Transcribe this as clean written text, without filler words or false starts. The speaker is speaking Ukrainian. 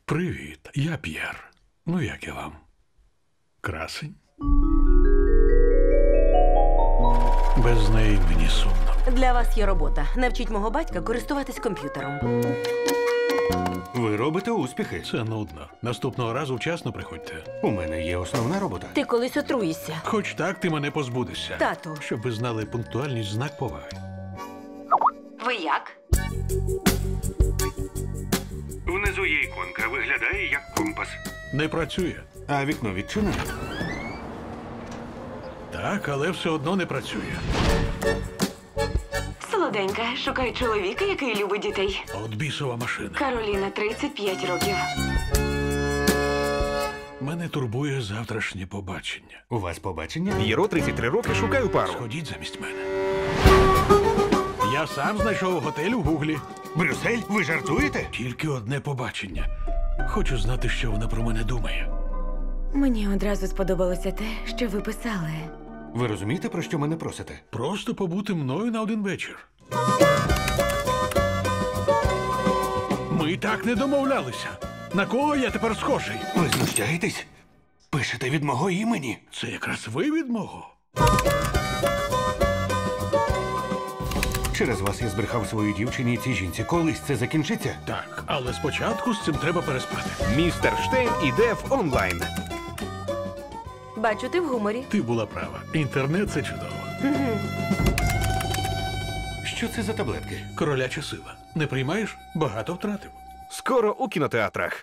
Привіт, я П'єр. Ну, як я вам? Красень? Без неї мені сумно. Для вас є робота. Навчіть мого батька користуватись комп'ютером. Ви робите успіхи. Це нудно. Наступного разу вчасно приходьте. У мене є основна робота. Ти колись отруїшся. Хоч так ти мене позбудешся. Тату. Щоб ви знали, пунктуальність – знак поваги. Ви як? Внизу є іконка, виглядає як компас. Не працює. А вікно відчинене. Так, але все одно не працює. Солоденька, шукаю чоловіка, який любить дітей. От бісова машина. Кароліна, 35 років. Мене турбує завтрашнє побачення. У вас побачення? П'єро, 33 роки, шукаю пару. Сходіть замість мене. Я сам знайшов готель у Гуглі. Брюссель? Ви жартуєте? Тільки одне побачення. Хочу знати, що вона про мене думає. Мені одразу сподобалося те, що ви писали. Ви розумієте, про що мене просите? Просто побути мною на один вечір. Ми так не домовлялися. На кого я тепер схожий? Ви знущаєтесь? Пишете від мого імені? Це якраз ви від мого. Через вас я збрехав своїй дівчині і цій жінці. Колись це закінчиться? Так, але спочатку з цим треба переспати. Містер Штейн іде в онлайн. Бачу, ти в гуморі. Ти була права. Інтернет – це чудово. Що це за таблетки? Короляча сила. Не приймаєш? Багато втратив. Скоро у кінотеатрах.